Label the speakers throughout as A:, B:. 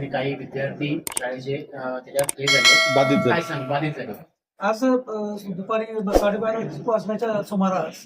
A: काही विद्यार्थी शाळेचे त्याच्यात हे झाले, काय सांग बाधित झाले.
B: आज दुपारी 12:30 वाजण्याच्या सुमारास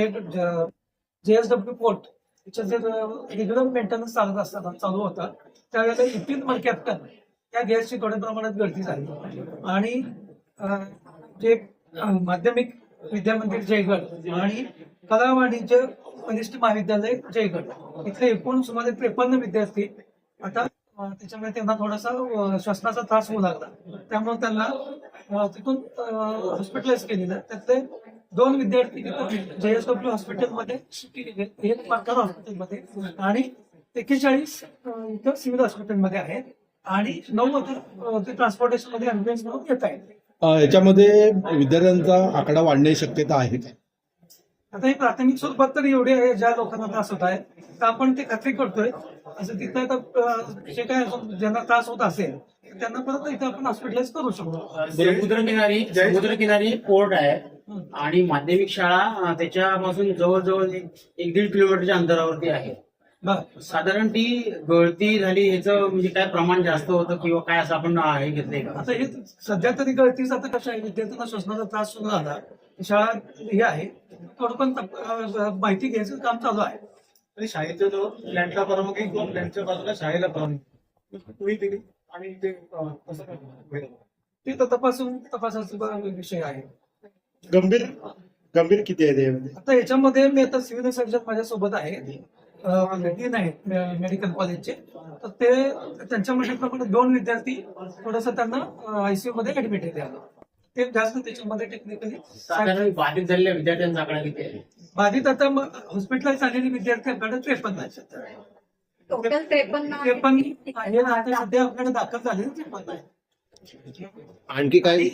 B: JSW पोर्ट याच्या जे रेग्युलर मेंटेनन्स चालत असताना चालू होता त्यावेळेला इपिन कॅप्टन या गॅसची थोड्या प्रमाणात गळती झाली आणि जे माध्यमिक विद्यामंदिर जयगड आणि कला वाणिज्य कनिष्ठ महाविद्यालय जयगड इथले एकूण सुमारे 53 विद्यार्थी आता त्याच्यामुळे त्यांना थोडासा श्वसनाचा त्रास होऊ लागला, त्यामुळे त्यांना तिथून हॉस्पिटलाइज केलेलं. त्यातले 2 विद्यार्थी JSW हॉस्पिटलमध्ये शिफ्ट केले, एक पारकर हॉस्पिटलमध्ये आणि 41 इथं सिव्हिल हॉस्पिटलमध्ये आहेत आणि 9 आता ते ट्रान्सपोर्टेशन मध्ये ऍम्ब्युलन्स म्हणून येत आहेत.
C: याच्यामध्ये विद्यार्थ्यांचा आकडा वाढण्याची शक्यता आहे.
B: आता हे प्राथमिक स्वरूपात तर एवढे आहे, ज्या लोकांना त्रास होत आहे तर आपण ते खात्री करतोय. असं तिथं आता जे काय ज्यांना त्रास होत असेल त्यांना परत इथं आपण हॉस्पिटलाइज करू शकतो.
A: समुद्रकिनारी पोर्ट आहे आणि माध्यमिक शाळा त्याच्यापासून जवळजवळ 1-1.5 किलोमीटरच्या अंतरावरती आहे. साधारण ती गळती झाली ह्याचं म्हणजे काय प्रमाण जास्त होतं किंवा काय असं आपण हे घेतलंय का?
B: आता हे सध्या तरी गळतीच आता कसं आहे, विद्यार्थ्यांना श्वसनाचा त्रास सुरू झाला, शाळा हे आहे, थोडं पण माहिती घ्यायचं काम चालू आहे.
D: आणि शाळेचा जो प्लॅनला परवानगी किंवा प्लॅनच्या बाजूला शाळेला परवानगी तुम्ही दिली आणि ते कसं काय
B: ते तर तपासाचा विषय आहे.
C: गंभीर किती आहे त्यामध्ये?
B: आता याच्यामध्ये मी आता सिव्हिल सर्जन माझ्यासोबत आहे, डीन आहेत मेडिकल कॉलेजचे, तर ते त्यांच्यामध्ये प्रमाणे 2 विद्यार्थी थोडंसं त्यांना आयसीयू मध्ये ऍडमिट आहे. ते जास्त त्याच्यामध्ये टेक्निकली
A: बाधित झालेल्या विद्यार्थ्यांचा आकडा किती आहे?
B: बाधित आता हॉस्पिटलाइज झालेले विद्यार्थ्यांकडे 53 आहेत.
E: टोटल 53
B: आहे ना, आता सध्या आपल्याकडे दाखल झालेले 53 आहेत.
C: आणखी काही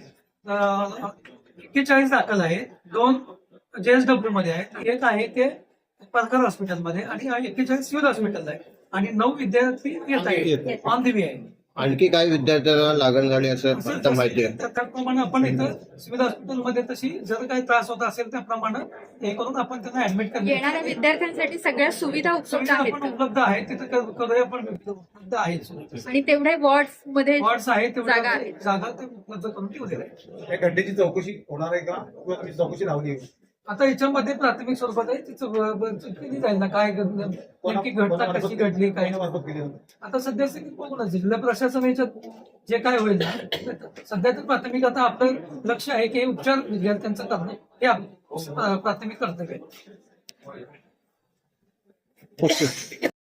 B: 41 दाखल आहे, 2 JSW मध्ये आहेत, एक आहे ते पारकर हॉस्पिटलमध्ये आणि 41 सिव्हिल हॉस्पिटल आहे आणि 9 विद्यार्थी येत आहेत, ऑन दी वे आहे.
C: आणखी काही विद्यार्थ्यांना लागण झाली असं माहिती आहे?
B: त्याप्रमाणे आपण इथं सिव्हिल हॉस्पिटलमध्ये तशी जर काही त्रास होत असेल त्याप्रमाणे हे करून आपण त्यांना ऍडमिट
E: येणाऱ्या विद्यार्थ्यांसाठी सगळ्या सुविधा उपलब्ध आहेत
B: आपण उपलब्ध आहे, तिथं करूया पण उपलब्ध आहेत
E: आणि तेवढे वॉर्ड्स मध्ये
B: वॉर्ड्स आहेत,
E: जागा आहे.
B: जागा ते उपलब्ध करून ठेवलेल्या आहे.
D: या घटनेची चौकशी होणार आहे का किंवा तुम्ही चौकशी लावली आहे?
B: आता याच्यामध्ये प्राथमिक स्वरूपात आहे, तिचं केली जाईल ना, काय नेमकी घटना कशी घडली काय.
D: कोणामार्फत केली जाते?
B: आता सध्या स्थितीत बघू ना, जिल्हा प्रशासन याच्यात जे काय होईल ना, सध्या तर प्राथमिक आता आपलं लक्ष आहे की उपचार विद्यार्थ्यांचं करणं हे आपलं प्राथमिक कर्तव्य आहे.